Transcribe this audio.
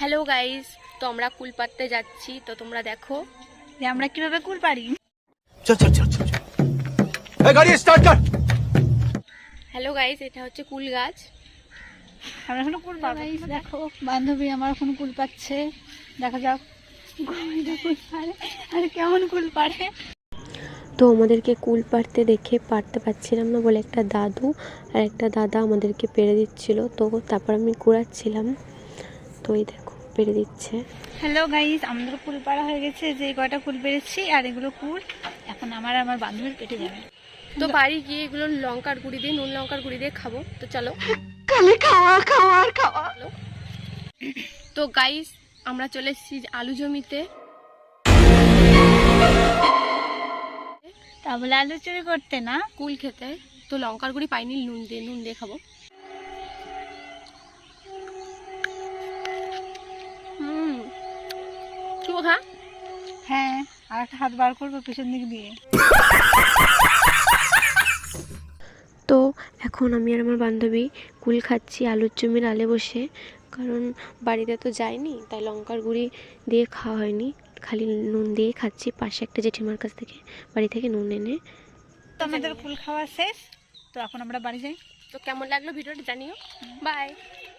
Hello guys, তো আমরা কুল পাড়তে যাচ্ছি। তো তোমরা দেখো যে আমরা কিভাবে কুল পারি। চল চল চল চল এই গাড়ি স্টার্ট কর। হ্যালো গাইস, এটা হচ্ছে কুল গাছ। আমরা এখন কুল পাবো। দেখো বান্ধবী আমার এখন কুল পাচ্ছে, দেখা যাক কুল পারে আর কেমন কুল পারে। তো আমাদেরকে কুল পাড়তে দেখে পারতে পারছিলাম না বলে একটা দাদু আর একটা দাদা আমাদেরকে পেরে দিচ্ছিল। তো তারপর আমি কুড়াচ্ছিলাম, তো এই দেখো পেরে দিচ্ছে। হ্যালো গাইস, আমাদের কুল পাড়া হয়ে গেছে। যে কয়টা কুল পেরেছি আর এগুলো কুল এখন আমার বান্ধবীর পেটে যাবে। তো বাড়ি গিয়ে এগুলো লঙ্কার গুঁড়ি দিয়ে, নুন লঙ্কার গুঁড়ি দিয়ে খাবো। তো চলো। খাওয়া। তো গাইস, আমরা চলে এসেছি আলু জমিতে। তা বলে আলু চুরি করতে না, কুল খেতে। তো লঙ্কার গুঁড়ি পাইনি, নুন দিয়ে খাবো। কি খা? হ্যাঁ আর একটা হাত বার করবো পিছন দিক দিয়ে। তো এখন আমি আর আমার বান্ধবী কুল খাচ্ছি আলুর জমির আলে বসে, কারণ বাড়িতে তো যাইনি, তাই লঙ্কার গুঁড়ি দিয়ে খাওয়া হয়নি, খালি নুন দিয়ে খাচ্ছি পাশে একটা জেঠিমার কাছ থেকে বাড়ি থেকে নুন এনে। তো আমাদের কুল খাওয়া শেষ, তো এখন আমরা বাড়ি যাই। তো কেমন লাগলো ভিডিওটা জানিও। বাই।